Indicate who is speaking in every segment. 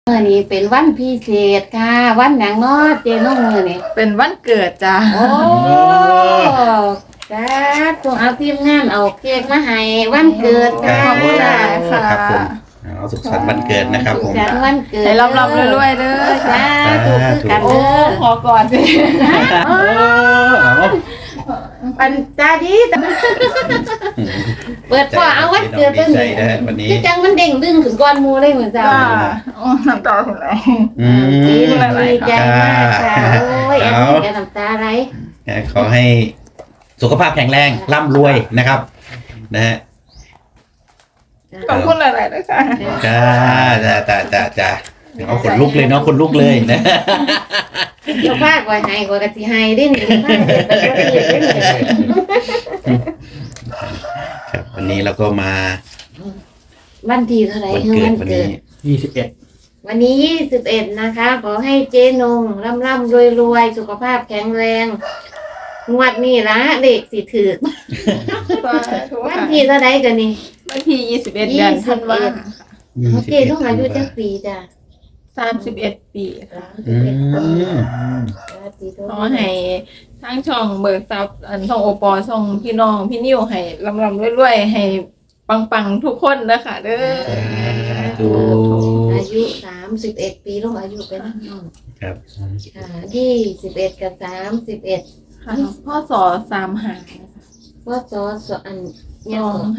Speaker 1: นี้เป็นวันพิเศษค่ะวันหยังเนาะเจน้องมือนี่
Speaker 2: เป็นวันเกิดจ้า
Speaker 1: โอ้จ้าตัวเอาทีมงานเอาเค้กมาให้วันเกิดค่ะ
Speaker 2: ขอบคุณค่ะ
Speaker 3: ครับผมเอาสุขสันต์วันเกิดนะครับผม
Speaker 1: สุขสันต์วันเกิด
Speaker 2: ให้ร่ำๆรวยๆเด้อ
Speaker 1: จ้าถูกคือกัน
Speaker 2: โอ้
Speaker 1: เด้อ
Speaker 2: ขอก่อนสิ
Speaker 1: ปันตาดีแต่เปิดพ่อเอาวันเกิด
Speaker 3: ดีใจนะวันนี้
Speaker 1: ที่จังมันเด้งดึงขึ้นก้อนหมูเลยเหมือนจ้า
Speaker 2: จ้าโอ้น้ำตาถึงไหน
Speaker 1: ดีใจมากค่ะโอ้ยอันนี้แกน้ำตาไหล
Speaker 3: ขอให้สุขภาพแข็งแรงร่ำรวยนะครับนะฮะ
Speaker 2: ขอบคุณหลายๆด้วยค่ะ
Speaker 3: จ้าเอาขนลุกเลยเนาะขนลุกเลยนะ
Speaker 1: เจ้าภาคว่าให้กว่ากะสิให้ได้นี่ภาคเกิดเป็นประเทศได้นี่
Speaker 3: ครับวันนี้เราก็มา
Speaker 1: วันที่เท่าไหร่
Speaker 3: วัน
Speaker 1: คือ
Speaker 3: เกิด
Speaker 1: วัน
Speaker 3: วัน
Speaker 1: เกิ
Speaker 3: นี้
Speaker 1: ดวันนี้21นะคะ ขอให้เจ๊นงร่ำรวยสุขภาพแข็งแรงงวดนี้ละเด็กสิถือวันที่เท่าไหร่กันนี่
Speaker 2: วันที่21 เดือนธันวาคม
Speaker 1: โอเคต้องอายุจักปีจ้ะ
Speaker 2: 31 ปีค่ะ
Speaker 3: อืม
Speaker 2: ขอให้ทั้งช่องเบิกทรัพย์ช่องโอปอช่องพี่น้องพี่นิ้วให้ร่ำๆรวยๆให้ปังๆทุกคนนะคะเด้อ
Speaker 3: ดู
Speaker 1: อายุ31 ปีลงอายุเป็นน้อง
Speaker 3: ครับ
Speaker 1: ค่ะ21กับ31
Speaker 2: ค่ะพ่อสอ35นะคะ
Speaker 1: ว่าซอสอันยัง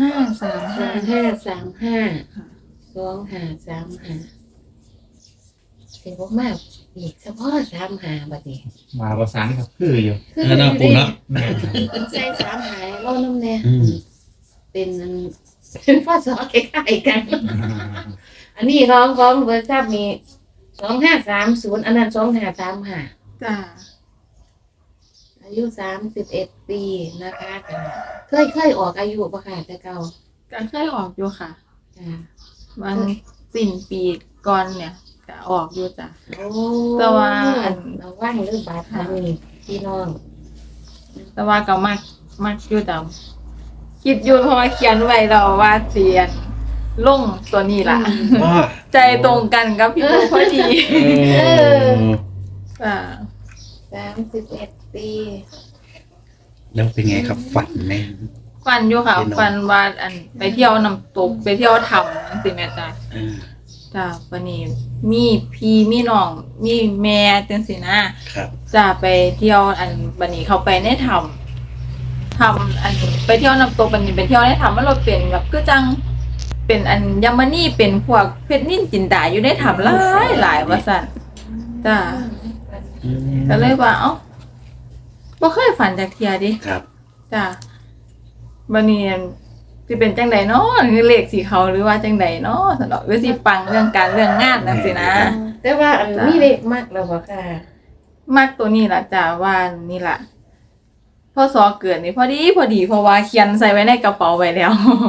Speaker 2: 2535
Speaker 1: 2535เป็นพวกมากอีกเฉพาะ35บัดนี้
Speaker 4: มาประสานครับคืออยู่
Speaker 3: เออน่าปูเนาะ
Speaker 1: ใส่35เล่าน้ำแน่
Speaker 3: อืม
Speaker 1: เป็นพ่อซอคล้ายๆกัน อันนี้ของเบอร์ทราบมี2530อันนั้น2535
Speaker 2: จ้า
Speaker 1: อายุ31 ปีนะคะจ้ะเคยออกอายุบ่ค่ะแต่เก่า
Speaker 2: ก็เคยออกอยู่ค่ะ
Speaker 1: จ้ะ
Speaker 2: วันสิ้นปีก่อนเนี่ยก็ออกอยู่จ้ะ
Speaker 1: โอ้
Speaker 2: แต่ว่าอัน
Speaker 1: เราว่างเรื่องบาดทางนี่พี่น้อง
Speaker 2: แต่ว่าก็มักอยู่แต่คิดอยู่เพราะว่าเขียนไว้แล้วว่าเสียนลงตัวนี้ล่ะ
Speaker 3: ว่า
Speaker 2: ใจตรงกันกับพี่ปูพอดีจ้ะ
Speaker 1: 31 ปี
Speaker 3: แล้วเป็นไงครับฝันไหม
Speaker 2: ฟันอยู่ค่ะ
Speaker 3: พี่น้อง
Speaker 2: ฟันว่าอันไปเที่ยวน้ำตกไปเที่ยวถ้ำจังซี่แม่จ้ะ
Speaker 3: เออ
Speaker 2: จ้ะวันนี้มีพี่มีน้องมีแม่จังซี่นะครับ จะไปเที่ยวอันบันนี้เขาไปในถ้ำอันไปเที่ยวน้ำตกบันนี้ไปเที่ยวในถ้ำมันเราเป็นแบบคือจังเป็นอันยามานี่เป็นพวกเพชรนิ่นจินดาอยู่ในถ้ำหลายว่าซั่นจ้ะก็เลยว่าเอ้าบ่เคยฝันจากเที่ยดิ
Speaker 3: ครับ
Speaker 2: จ้ะบันนี้สิเป็นจังใดเนาะคือเลขสีเขาหรือว่าจังใดเนาะสนดอกหรือสิปังเรื่องการเรื่องงานจังซี่นะ
Speaker 1: แต่ว่าอันนี้เล็กมากแล้วบ่ค่ะ
Speaker 2: มักตัวนี้ล่ะจ้ะว่านี่ล่ะพ่อสอเกิดนี่พอดีเพราะว่าเขียนใส่ไว้ในกระเป๋าไว้แล้ว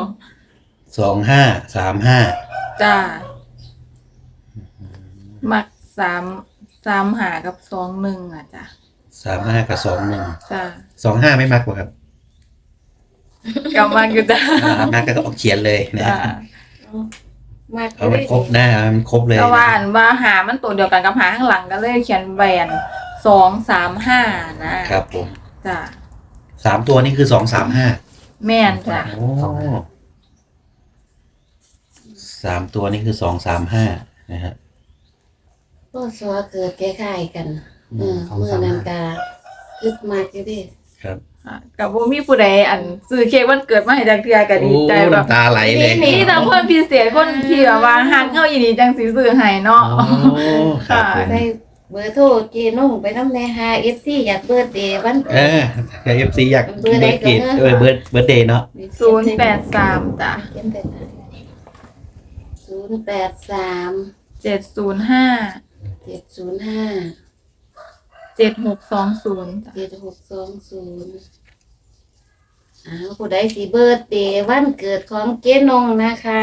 Speaker 3: 2535
Speaker 2: จ้ามัก3 หากับ21อ่ะจ้ะ
Speaker 3: 35กับ21
Speaker 2: จ้า
Speaker 3: 25ไม่มากกว่าครับ
Speaker 2: ก็มักอยู่จ้ะ
Speaker 3: มากก็ต้องเขียนเลยนะ
Speaker 2: จ้า
Speaker 1: มาก
Speaker 3: เอามันครบหน้ามันครบเลย
Speaker 2: แต่ว่าอันว่าหามันตัวเดียวกันกับหาข้างหลังก็เลยเขียนแหวน235นะครับ
Speaker 3: ผม
Speaker 2: จ้า
Speaker 3: 3ตัวนี่คือ235
Speaker 2: แม่นจ้ะ
Speaker 3: โอ้3ตัวนี่คือ235นะฮะ
Speaker 1: พ่อซอเกิดคล้ายๆกันเมื่อนั้นก็คึกมากอยู่เดิ
Speaker 3: ครับ
Speaker 2: กับบ่มีผู้ใดอันซื้อเค้กวันเกิดมาให้จักเทื่อก็ดีใจแบบ
Speaker 3: น้ำตาไหลเลย
Speaker 2: นี่แต่คนพิเศษคนที่แบบว่าฮักเฮาอีนี่จังสิซื้อให้เนาะ
Speaker 3: โอ้ครับผม
Speaker 1: ได้เบอร์โทรเจน้องไปนำแน่หา FC อยากเบิร์ธเดย์วัน
Speaker 3: เออแต่ FC อยากเบิร์ดเกตเบิร์ดเดย์เนาะ
Speaker 2: 083จ้ะ
Speaker 1: 083
Speaker 2: 705
Speaker 1: 705
Speaker 2: 7620จ้ะ
Speaker 1: 7620ผู้ใดสิเบิร์ธเดย์วันเกิดของเจนงนะคะ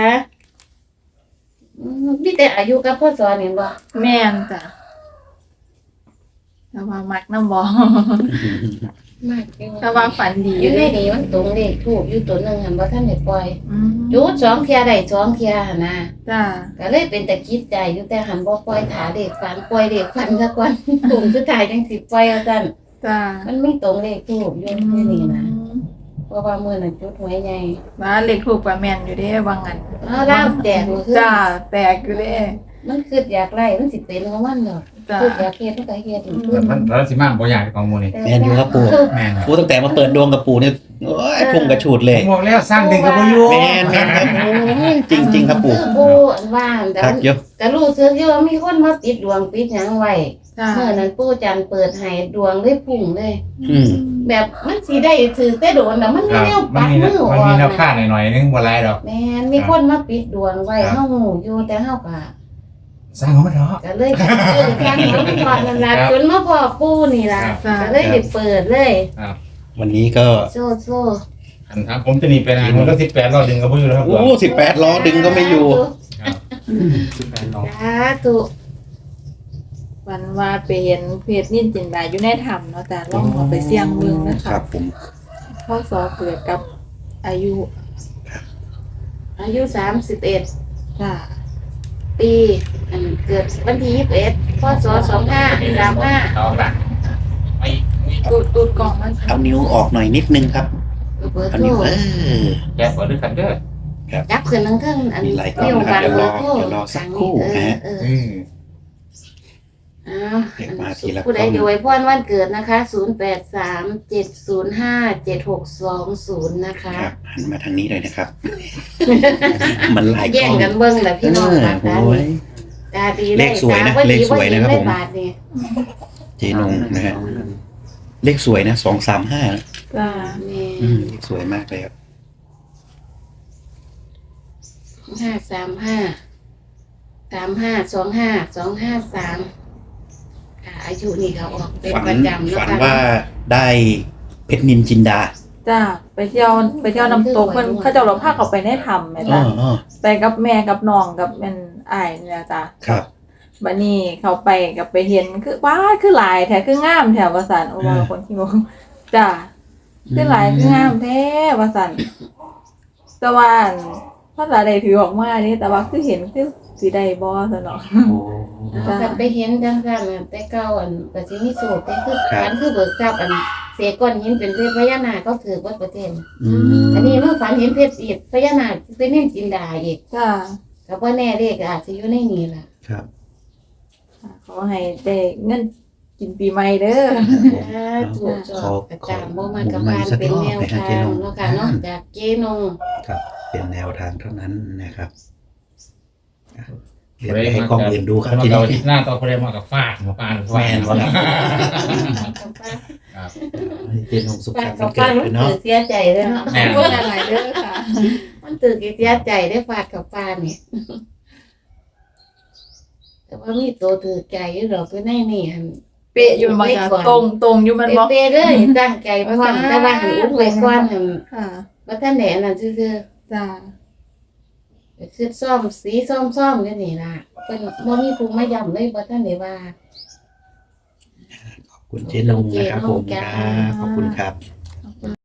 Speaker 1: มีแต่อายุกับพ่อสอนเห็นบ่
Speaker 2: แม่นจ้ะแต่ว่ามักน้ำบ่
Speaker 1: มากจริง
Speaker 2: ถ้าว่าฝันดี
Speaker 1: อ
Speaker 2: อยู่ ยู่
Speaker 1: ใน
Speaker 2: เด้
Speaker 1: นี้มันตรงเลขถูกอยู่ตัวหนึงหันบ่ทันได้ปล่อย
Speaker 2: อืม
Speaker 1: จุด2เที่ยได้2เที่ยหั่นนะ
Speaker 2: จ้า
Speaker 1: ก็เลยเป็นตะคิดใจอยู่แต่หันบ่ปล่อยถาเด็กฝันปล่อยเด็กฝันซะก่อน กลุ่มสุดท้ายจังสิปล่อยเอาซั่น
Speaker 2: จ้า
Speaker 1: มันไม่ตรงเลขถูกอยู่ในนี่นะเพราะว่ามื้อนั้นจุดหวยใหญ่
Speaker 2: ว่าเลขถูกกว่าแม่นอยู่เด้ว่างั้น
Speaker 1: ล่าวแตกบ่คือ
Speaker 2: จ้าแตกอยู่เด้
Speaker 1: มันคืออยากไล่มันสิเป็นของมันดอก
Speaker 2: จ้า
Speaker 1: คืออยากเฮ็ดมันก็เฮ็ดอยู่
Speaker 4: มันแล้วสิมาบ่อยากของหมู่นี่
Speaker 3: แม่นอยู่ครับปู่
Speaker 4: แม่น
Speaker 3: ปู่ตั้งแต่มาเปิดดวงกับปู่เนี่ยโอ้ยพุ่งกระฉูดเล
Speaker 4: ผ
Speaker 3: ย
Speaker 4: มบอกแล้วสร้างดึงกับบ่อยู่
Speaker 3: แม่นครับโอ้ยจริง ๆ ครับปู่
Speaker 1: คือปูอันว่าแต่
Speaker 3: ครับเยอะ
Speaker 1: ก็รู้สึกอยู่ว่ามีคนมาปิดดวงปิดหยังไว้
Speaker 2: จ้า
Speaker 1: เมื่อนั้นปู่จันทร์เปิดให้ดวงเลยพุ่งเลย
Speaker 3: อืม
Speaker 1: แบบมันสิได้ถือแต่โดนแล้วมัน
Speaker 4: ค
Speaker 1: ไม่
Speaker 4: รับ
Speaker 1: แนว
Speaker 4: มั
Speaker 1: ปั
Speaker 4: น
Speaker 1: ด
Speaker 4: มี
Speaker 1: มืออ
Speaker 4: มัน
Speaker 1: อก
Speaker 4: มีแนว
Speaker 1: นะ
Speaker 4: ค่าหน่อยๆนึงบ่หลายดอก
Speaker 1: แม่นมีคนมาปิดดวงไว้
Speaker 4: ครับ
Speaker 1: เฮาหูอยู่แต่เฮาก็
Speaker 4: สร้างเขามาเถอะ
Speaker 1: ก็เลยทางน้องพอดนั่นล่ะ
Speaker 4: ครับ
Speaker 1: จนมาพอปู่นี่ล่ะ
Speaker 4: ครับ
Speaker 1: ก็เลยได้เปิดเลย
Speaker 3: วันนี้ก็
Speaker 1: โซ่โซ่
Speaker 4: อันครับผมจะหนีไปนะมันก็18รอบดึงกับบ่อยู่แล้วครับ
Speaker 3: โอ้18ล้อดึงก็ไม่อยู่
Speaker 4: ครับ18รอบ
Speaker 1: สาธุ
Speaker 2: วันว่าไปเห็นเพจนิ่นจินดาอยู่ในถ้ำเนาะจ้าลองเอาไปเสี่ยงเบิ่งนะ
Speaker 3: ค
Speaker 2: คะ
Speaker 3: รับผม
Speaker 2: พ่อสอเกิดกับอายุ
Speaker 1: อายุ31
Speaker 2: จ้า
Speaker 1: ปีอันเกิดวันที่21พศ2535
Speaker 4: เอาละไป
Speaker 2: ตูดกล่องมัน
Speaker 3: เอานิ้วออกหน่อยนิดนึงครับ
Speaker 1: เบอร์
Speaker 3: เอา
Speaker 1: โทร
Speaker 3: นิ้ว
Speaker 4: แกเปิดด้วยกันเด้อ
Speaker 1: จับขึ้นทั้งเทิงอัน
Speaker 3: มีหลายกล่องนะครับเดี๋ยวรอสักครู่นะฮะ
Speaker 4: อืม
Speaker 1: อ้าว
Speaker 3: เรียกมาทีละ
Speaker 1: ผู้ใด
Speaker 3: กล้อง
Speaker 1: อยู่ไว้พรวันเกิดนะคะ0837057620นะคะ
Speaker 3: ครับหันมาทางนี้เลยนะครับ มันหลายก
Speaker 1: แย่
Speaker 3: ล้
Speaker 1: ง
Speaker 3: อง
Speaker 1: กันเบิ่งแหละพี่น้อง
Speaker 3: เออ
Speaker 1: ตาตา
Speaker 3: โอ้ย
Speaker 1: ตาดี
Speaker 3: เลขสวยนะ
Speaker 1: ตาบ่ดี
Speaker 3: เลขสวยนะครับ
Speaker 1: บ่ดี
Speaker 3: ผม
Speaker 1: ได้บาทนี่
Speaker 3: เจนงนะฮะเลขสวยนะ235นะ
Speaker 2: จ้า
Speaker 1: แม่
Speaker 3: เลขสวยมากเลยครับ
Speaker 1: 535 ค่ะอายุนี่เขาออกเป็น
Speaker 3: ฝัน
Speaker 1: ประจำเนาะ
Speaker 3: ฝัน
Speaker 1: ค่ะ
Speaker 3: ว่าได้เพชรนินจินดา
Speaker 2: จ้าไปเที่ยวน้ำตกเพิ่นเขาเจ้าเราพาเขาไปในถ้ำแม่
Speaker 3: อ๋อ
Speaker 2: จ้า
Speaker 3: อ๋อ
Speaker 2: ไปกับแม่กับน้องกับเป็นอ้ายนี่แหละจ้า
Speaker 3: ครับ
Speaker 2: บัดนี้เขาไปกับไปเห็นคือว้าคือหลายแท้คืองามแถวว่าซั่นโอ้ว่าคนที่บอกจ้าคือหลายคืองามแท้ว่าซั่นแต่ว่าภาษาใดถือออกมานี่แต่ว่าคือเห็นคือสิได้บ่ซั่นเนาะ
Speaker 3: โอ้
Speaker 1: เอากลับไปเห็นจังซั่นน่ะแต่เก่าอันก็สิมีโศกแต่คือ
Speaker 3: ครับ
Speaker 1: ฝันคือเบิกทรัพย์อันเสกก้อนหินเป็นเพชรพญานาคก็ถือว่าประเทศ
Speaker 3: อืม
Speaker 1: อันนี้มันฝันเห็นเพชรอีกพญานาคเป็นเน่นจินดาอีก
Speaker 2: จ้า
Speaker 1: ก็บ่แน่เลขอาจจะอยู่ในนี้ล่ะ
Speaker 3: ครับ
Speaker 2: ขอให้ได้เงินกินปีใหม่เด้อ
Speaker 1: ถูกจอ
Speaker 3: ขอ
Speaker 1: ดประจำบ่มันก็
Speaker 3: หมุ
Speaker 1: พาน
Speaker 3: สัก
Speaker 1: เป็น
Speaker 3: รอบ
Speaker 1: แนว
Speaker 3: ไปหา
Speaker 1: ทา
Speaker 3: เจ
Speaker 1: ง
Speaker 3: นง
Speaker 1: เนาะค่ะเนาะจากเจนง
Speaker 3: ครับ เป็นแนวทางเท่านั้นนะครับเดี๋ยวไปให้กล้องอื่นดูครับ
Speaker 4: ที
Speaker 3: ที
Speaker 4: นี้
Speaker 3: นี้
Speaker 4: หน้าต่อไปมากับฟาดหมอปลาหรือ
Speaker 3: แมนวะครับ
Speaker 4: ครับ
Speaker 3: ให้เจนงสุข
Speaker 1: ป้า
Speaker 3: สันต์
Speaker 1: กั
Speaker 3: วั
Speaker 1: บ
Speaker 3: นเกิ
Speaker 1: ป้า
Speaker 3: ด
Speaker 1: มัน
Speaker 3: ด้วยเนาะ
Speaker 1: ตื่นเสียใจเลยเนาะ
Speaker 4: แม่
Speaker 2: พูดอะไรเด้อค่ะ
Speaker 1: มันตื่นเสียใจได้ฟาดกับป้านี่แต่ว่ามีตัวถือใจอยู่ดอกไปในนี่หั่น
Speaker 2: เป๊ะอยู่มันจ้ะตรงอยู่มันบ่
Speaker 1: เป๊ะๆเลยตั้งใจพร้อมแต่ว่าหันอุ้มไว้ก่อนหัน
Speaker 2: ค่ะ
Speaker 1: ว่าท่านแหน่นั่นซื่อ
Speaker 2: จ้า
Speaker 1: ๆไปคือซ่อมสีซ่อมกันนี่ล่ะเพิ่นบ่มีภูมิมาย้ำเลยบ่ท่านได้ว่า
Speaker 3: ขอบคุณเจนงนะครับผมครับขอบคุณครับ